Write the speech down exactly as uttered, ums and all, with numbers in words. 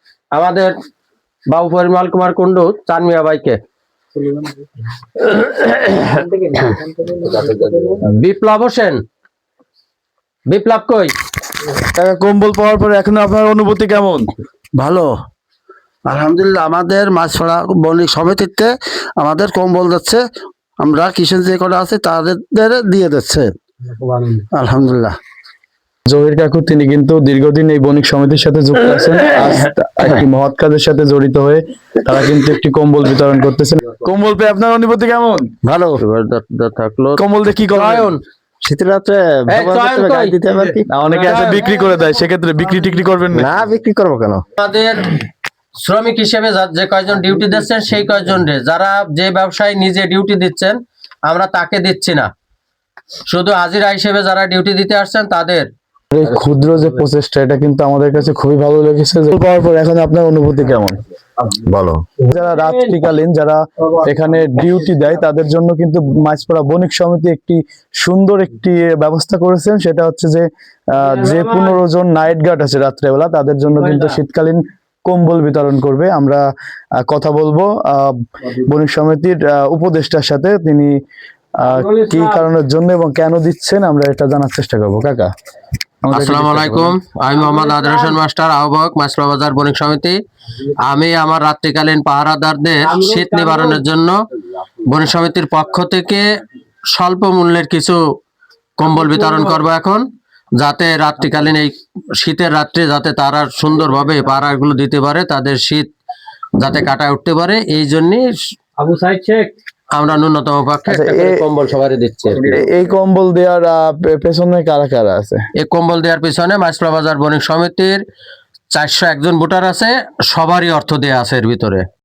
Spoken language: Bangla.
আমাদের বাবু পরিমল কুমার কুন্ডু চানমিয়া ভাইকে। বিপ্লব হোসেন, বিপ্লব কই? কম্বল পাওয়ার পরে এখন আপনার অনুভূতি কেমন? ভালো, আলহামদুলিল্লাহ। আমাদের মাছপাড়া বণিক সমিতিতে আমাদের কম্বল দিচ্ছে, আমরা কিষেন যে কটা আছে তাদের দিয়ে দিচ্ছে, আলহামদুলিল্লাহ। জহির কাকু তিনি কিন্তু দীর্ঘদিন এই বণিক সমিতির সাথে যুক্ত আছেন। আজ একটি মহৎ কাজের সাথে জড়িত হয়ে তারা কিন্তু একটি কম্বল বিতরণ করতেছেন। কম্বল পেয়ে আপনার অনুভূতি কেমন? ভালো থাকলো কম্বল দিয়ে কি করেন? শীতের রাত্রে দিতে পারি কি? অনেকে আছে বিক্রি করে দেয়, সেক্ষেত্রে বিক্রি টিক্রি করবেন না? না, বিক্রি করবো কেন? আমাদের শ্রমিক হিসেবে যে কয়জন ডিউটি দিচ্ছেন সেই কয়জন রে, যারা যে ব্যবসায়ী নিজে ডিউটি দিচ্ছেন আমরা তাকে দিচ্ছি না, শুধু হাজিরা হিসেবে যারা ডিউটি দিতে আসছেন তাদের। এই ক্ষুদ্র যে প্রচেষ্টা, এটা কিন্তু আমাদের কাছে খুবই ভালো লেগেছে। পাওয়ার পর এখন আপনার অনুভূতি কেমন? ভালো। যারা রাত্রিকালীন যারা এখানে ডিউটি দেয় তাদের জন্য কিন্তু মাছপাড়া বণিক সমিতি একটি সুন্দর একটি ব্যবস্থা করেছেন। সেটা হচ্ছে যে আহ যে পনেরো জন নাইট গার্ড আছে রাত্রেবেলা, তাদের জন্য কিন্তু শীতকালীন কম্বল বিতরণ করবে। আমরা আহ, কথা বলবো আহ বণিক সমিতির আহ উপদেষ্টার সাথে, তিনি আহ কি কারণের জন্য এবং কেন দিচ্ছেন আমরা এটা জানার চেষ্টা করবো। কাকা, আসসালামু আলাইকুম, আমি মোহাম্মদ আদর হোসেন মাস্টার, আহ্বায়ক মাছপাড়া বাজার বণিক সমিতি। আমি আমার রাত্রিকালীন পাহারাদারদের শীত নিবারণের জন্য বণিক সমিতির পক্ষ থেকে স্বল্প মূল্যের কিছু কম্বল বিতরণ করব এখন, যাতে রাত্রিকালীন এই শীতের রাত্রে যাতে তারা সুন্দরভাবে পাহারাগুলো দিতে পারে, তাদের শীত যাতে কাটায় উঠতে পারে, এই জন্যই আবু সাইদ শেখ আমরা ন্যূনতম পক্ষে একটা করে কম্বল সবারই দিচ্ছি। এই কম্বল দেওয়ার পেছনে কারা কারা আছে? এই কম্বল দেওয়ার পিছনে মাছপাড়া বাজার বণিক সমিতির চারশো একজন ভোটার আছে, সবারই অর্থ দেয়া আছে এর ভিতরে।